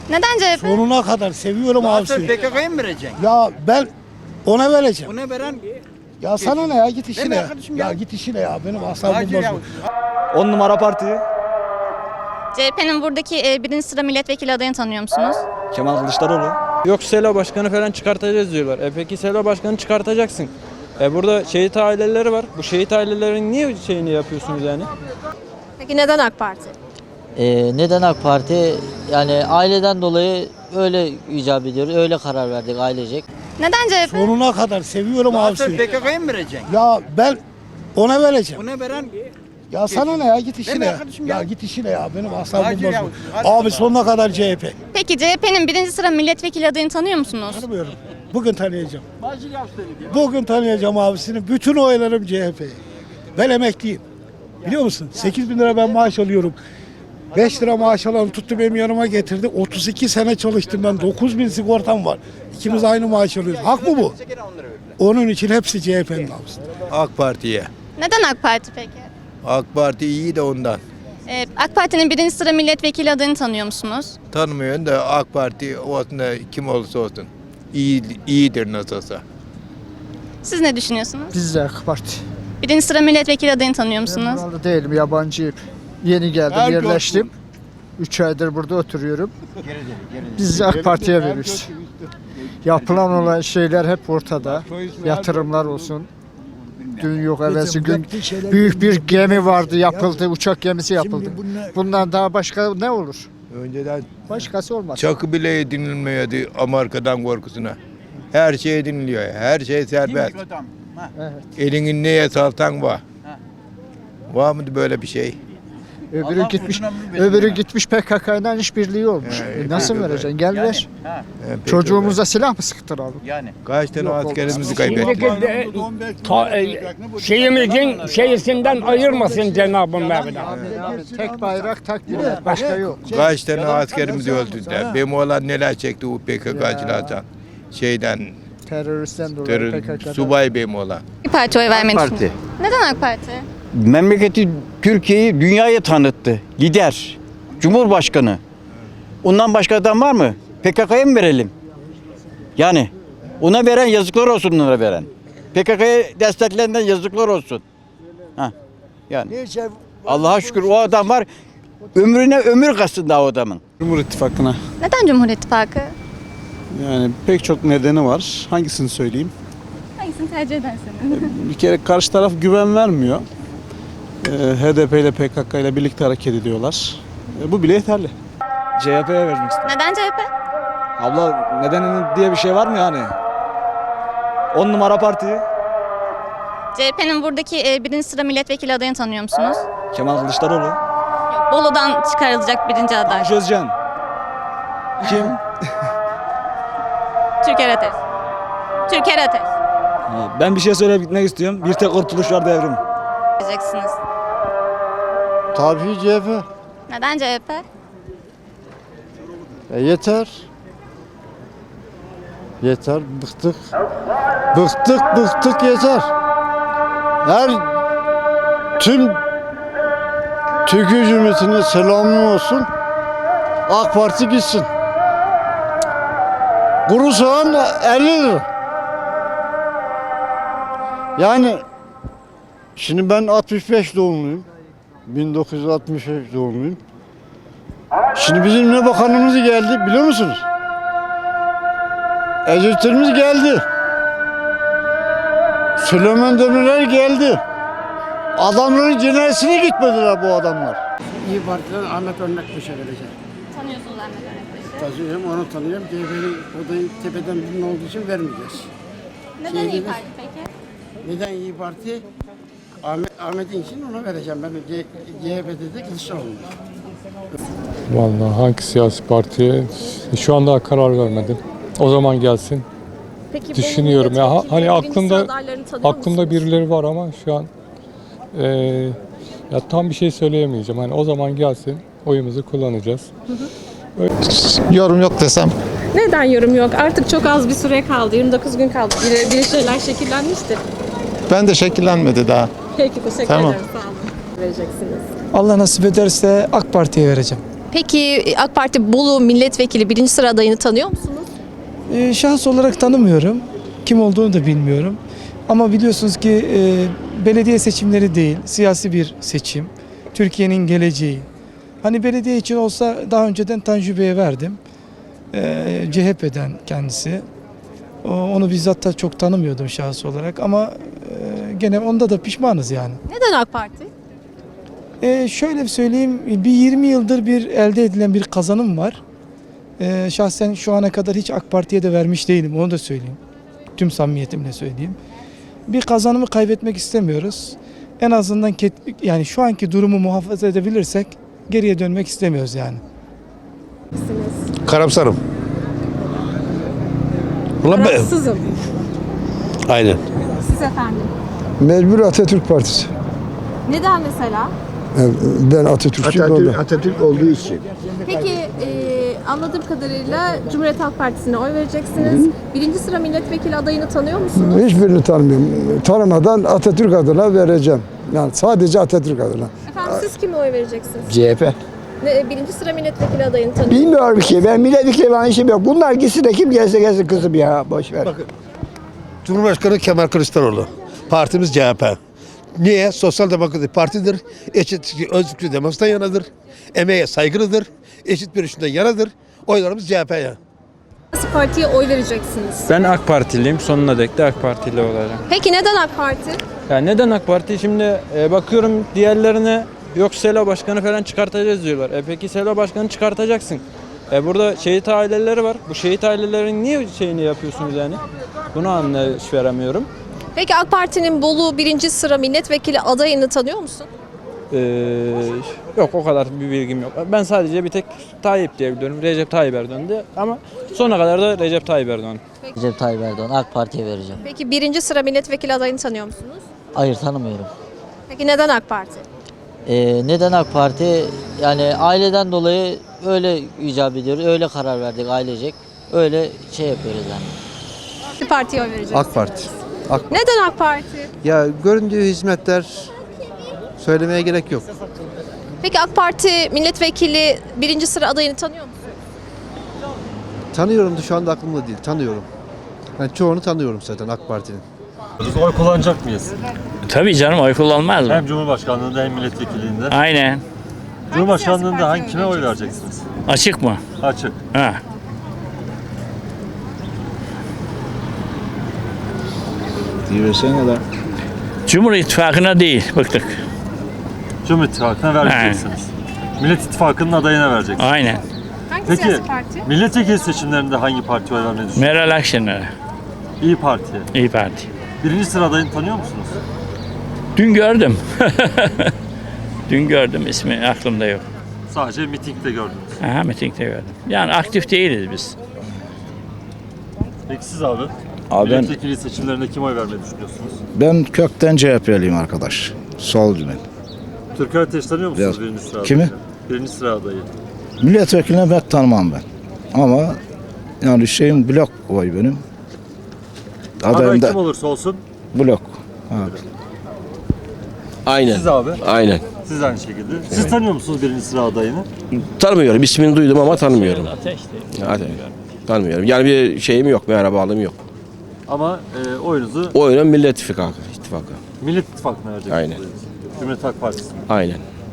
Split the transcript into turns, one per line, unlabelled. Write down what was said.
Neden CHP?
Sonuna kadar seviyorum abisini.
PKK'ya mı vereceksin?
Ya ben ona vereceğim.
Ona veren
Ya sana ne ya, git işine
Benim
ya.
arkadaşım
Ya
ya.
git işine ya, benim asabım
Hacı ya.
bozuldu.
10 numara parti.
CHP'nin buradaki birinci sıra milletvekili adayını tanıyor musunuz?
Kemal Kılıçdaroğlu.
Yok Selo Başkanı falan çıkartacağız diyorlar. Peki Selo Başkanı çıkartacaksın. Burada şehit aileleri var. Bu şehit ailelerin niye şeyini yapıyorsunuz yani?
Peki neden AK Parti?
Neden AK Parti? Yani aileden dolayı öyle icap ediyoruz. Öyle karar verdik ailecek.
Neden CHP?
Sonuna kadar seviyorum abisini.
PKK'ya mı vereceksin?
Ya ben ona vereceğim.
Ona veren
Ya sana ne ya, git işine
Benim
ya.
arkadaşım
Ya
ya.
git işine ya, benim asabım
Hacı ya.
bozuldu.
Hacı
Abi
ya.
sonuna kadar CHP.
Peki CHP'nin birinci sıra milletvekili adayını tanıyor musunuz?
Tanımıyorum. Bugün tanıyacağım. Bugün tanıyacağım abisini. Bütün oylarım CHP. Ben emekliyim. Biliyor musun? 8 bin lira ben maaş alıyorum. 5 lira maaş alan tuttu benim yanıma getirdi. 32 sene çalıştım ben. 9 bin sigortam var. İkimiz aynı maaş alıyoruz. Hak mı bu? Onun için hepsi CHP'nin abisi.
AK Parti'ye.
Neden AK Parti peki?
AK Parti iyi de ondan.
AK Parti'nin birinci sıra milletvekili adayını tanıyor musunuz?
Tanımıyorum da AK Parti olsun da kim olursa olsun. İyidir nasılsa.
Siz ne düşünüyorsunuz?
Biz de AK Parti.
Birinci sıra milletvekili adayını tanıyor
Ben
musunuz?
buralı değilim, yabancıyım. Yeni geldim, yerleştim. 3 aydır burada oturuyorum. Biz de AK Parti'ye veriyoruz. Yapılan olan şeyler hep ortada. Yatırımlar olsun. Dün yok evvelsi gün büyük bir gemi vardı, yapıldı, uçak gemisi yapıldı. Bundan daha başka ne olur?
Önceden
Başkası olmaz.
çakı bile edinilmiyordu Amerika'dan korkusuna. Her şey ediniliyor. Her şey serbest.
Evet.
Elini neye saltan var. Var mı böyle bir şey?
Öbürü gitmiş PKK'dan işbirliği olmuş. Nasıl vereceksin? Gel ver. Çocuğumuza silah mı sıktıralım?
Kaç tane askerimizi kaybettik?
Şeyimizin şeysinden ayırmasın Cenab-ı Mevla.
Tek bayrak, tek millet. Başka yok.
Kaç tane askerimizi öldürdüler? Benim oğlan neler çekti bu PKK'cılardan? Şeyden,
Teröristten dolayı PKK'dan.
subay benim oğlan.
Bir parti oy vermeyi
Parti.
düşünüyorum. Neden AK Parti?
Memleketi Türkiye'yi dünyaya tanıttı. Lider, Cumhurbaşkanı. Ondan başka adam var mı? PKK'ya mı verelim? Yani ona veren yazıklar olsun onlara veren. PKK'ya desteklenen yazıklar olsun. Ha. Yani Allah'a şükür o adam var. Ömrüne ömür kastın daha o adamın.
Cumhur İttifakı'na.
Neden Cumhur İttifakı?
Yani pek çok nedeni var. Hangisini söyleyeyim?
Hangisini tercih edersiniz?
Bir kere karşı taraf güven vermiyor. HDP ile PKK ile birlikte hareket ediyorlar. Bu bile yeterli. CHP'ye vermek istiyorum.
Neden CHP?
Abla nedeni diye bir şey var mı yani? 10 numara parti.
CHP'nin buradaki birinci sıra milletvekili adayını tanıyor musunuz?
Kemal Kılıçdaroğlu.
Yok, Bolu'dan çıkarılacak birinci aday.
Tanju Özcan. Kim?
Türker Ateş. Türker Ateş.
Ben bir şey söyleyip gitmek istiyorum. Bir tek kurtuluş var devrim.
Diyeceksiniz.
Tabii CHP.
Neden CHP?
Yeter. Yeter, bıktık. Bıktık yeter. Tüm Türkiye Cumhuriyeti'ne selamım olsun. AK Parti gitsin. Kuru soğan 50 lira. Yani şimdi ben 65 doğumluyum. 1965 doğumluyum. Şimdi bizim ne bakanımız geldi biliyor musunuz? Ecevitlerimiz geldi. Süleyman Demirel geldi. Adamların cenazesine gitmediler bu adamlar.
İyi Parti'den Ahmet Örnekbaş'a vereceğim.
Tanıyorsunuz Ahmet Örnekbaş'ı.
Tanıyorum, onu tanıyorum. CHP'nin odayı tepeden birinin olduğu için vermeyeceğiz.
Neden İYİ Parti peki?
Neden İyi Parti? Ahmet'in için ona vereceğim. Ben CHP'de de Kılıçdaroğlu.
Vallahi hangi siyasi partiye şu anda karar vermedim. O zaman gelsin.
Peki,
Düşünüyorum ya hani aklımda birileri var ama şu an ya tam bir şey söyleyemeyeceğim. Hani o zaman gelsin oyumuzu kullanacağız.
Yorum yok desem.
Neden yorum yok? Artık çok az bir süre kaldı. 29 gün kaldı. Bir şeyler şekillenmiştir.
Ben de şekillenmedi daha.
Peki teşekkür
Tamam.
ederim. Sağ olun. Vereceksiniz.
Allah nasip ederse AK Parti'ye vereceğim.
Peki AK Parti Bolu milletvekili 1. sıra adayını tanıyor musunuz?
Şahs olarak tanımıyorum. Kim olduğunu da bilmiyorum. Ama biliyorsunuz ki belediye seçimleri değil, siyasi bir seçim. Türkiye'nin geleceği. Hani belediye için olsa daha önceden Tanju Bey'e verdim. CHP'den kendisi. Onu bizzat da çok tanımıyordum şahıs olarak ama gene onda da pişmanız yani.
Neden AK Parti?
Şöyle söyleyeyim, bir 20 yıldır bir elde edilen bir kazanım var. Şahsen şu ana kadar hiç AK Parti'ye de vermiş değilim, onu da söyleyeyim. Tüm samimiyetimle söyleyeyim. Bir kazanımı kaybetmek istemiyoruz. En azından yani şu anki durumu muhafaza edebilirsek geriye dönmek istemiyoruz yani.
Karamsarım.
Rahatsızım.
Aynen.
Siz efendim.
Mecbur Atatürk Partisi.
Neden mesela?
Ben Atatürkçüyüm.
Atatürk olduğu için.
Peki anladığım kadarıyla Cumhuriyet Halk Partisi'ne oy vereceksiniz. 1. sıra milletvekili adayını tanıyor musunuz?
Hiçbirini tanımıyorum. Tanımadan Atatürk adına vereceğim. Yani sadece Atatürk adına.
Efendim siz kime oy vereceksiniz?
CHP.
1. sıra milletvekili adayını tanıyor musunuz?
Bilmiyorum ki. Ben milletvekili falan işim yok. Bunlar gitsin de kim gelse gelsin kızım ya. Boş ver.
Cumhurbaşkanı Kemal Kılıçdaroğlu. Partimiz CHP. Niye? Sosyal Demokratik Partidir. Eşitlik, özgürlük, demokrasiden yanadır. Emeğe saygılıdır. Eşit bir işinden yanadır. Oylarımız CHP'ye.
Nasıl partiye oy vereceksiniz?
Ben AK Partiliyim. Sonuna dek de AK Partili olacağım.
Peki neden AK Parti?
Yani neden AK Parti? Şimdi bakıyorum diğerlerine yok Selo Başkanı falan çıkartacağız diyorlar. Peki Selo Başkanı çıkartacaksın. Burada şehit aileleri var. Bu şehit ailelerin niye şeyini yapıyorsunuz yani? Bunu anlayış veremiyorum.
Peki AK Parti'nin Bolu 1. sıra milletvekili adayını tanıyor musun?
Yok o kadar bir bilgim yok. Ben sadece bir tek Tayyip diye biliyorum. Recep Tayyip Erdoğan diye. Ama sonuna kadar da Recep Tayyip Erdoğan.
Recep Tayyip Erdoğan AK Parti'ye vereceğim.
Peki 1. sıra milletvekili adayını tanıyor musunuz?
Hayır, tanımıyorum.
Peki neden AK Parti?
Neden AK Parti? Yani aileden dolayı öyle icap ediyoruz. Öyle karar verdik ailecek. Öyle şey yapıyoruz yani.
Bir partiye oy vereceksiniz.
AK Parti.
Neden AK Parti?
Ya göründüğü hizmetler söylemeye gerek yok.
Peki AK Parti milletvekili 1. sıra adayını tanıyor musun?
Tanıyorum da şu anda aklımda değil. Tanıyorum. Yani çoğunu tanıyorum zaten AK Parti'nin.
Oy kullanacak mıyız?
Tabii canım oy kullanmaz mı?
Hem Cumhurbaşkanlığında hem milletvekilliğinde.
Aynen.
Cumhurbaşkanlığında kime oy vereceksiniz?
Açık mı?
Açık.
Ha.
Diyorsan da.
Cumhur İttifakı'na değil, bıktık.
Cumhur İttifakı'na vereceksiniz. Millet İttifakı'nın adayına vereceksiniz.
Aynen.
Hangi
Peki
siyasi parti?
milletvekili seçimlerinde hangi partiye oy vermeyi düşünüyorsunuz?
Meral Akşener'e,
İyi Parti'ye.
İyi Parti.
1. sıra adayını tanıyor musunuz?
Dün gördüm. Dün gördüm, ismi aklımda yok.
Sadece mitingde gördünüz.
Aha, mitingde gördüm. Yani aktif değiliz biz.
Peki siz abi?
Abi ben,
Milletvekili seçimlerinde kime oy vermeyi düşünüyorsunuz?
ben kökten CHP'liyim arkadaş. Solcu ben.
Türker Ateş tanıyor musunuz
Biraz.
1. sıra adayı?
Kimi?
1. sıra adayı.
Milletvekiline pek tanımam ben. Ama yani şeyim blok oy benim.
Aday
Adayım
kim
da
olursa olsun.
blok. Abi.
Aynen.
Siz abi?
Aynen.
Siz aynı şekilde. Siz tanıyor musunuz 1. sıra adayını?
Tanımıyorum. İsmini duydum ama tanımıyorum.
Ateş değil.
Tanımıyorum. Yani bir şeyim yok. Merhabalığım yok.
Ama oyunuzu
O oyunun Millet İttifakı.
Millet İttifakı'na vereceksiniz.
Aynen.
Cumhuriyet Halk Partisi'ne.
Aynen.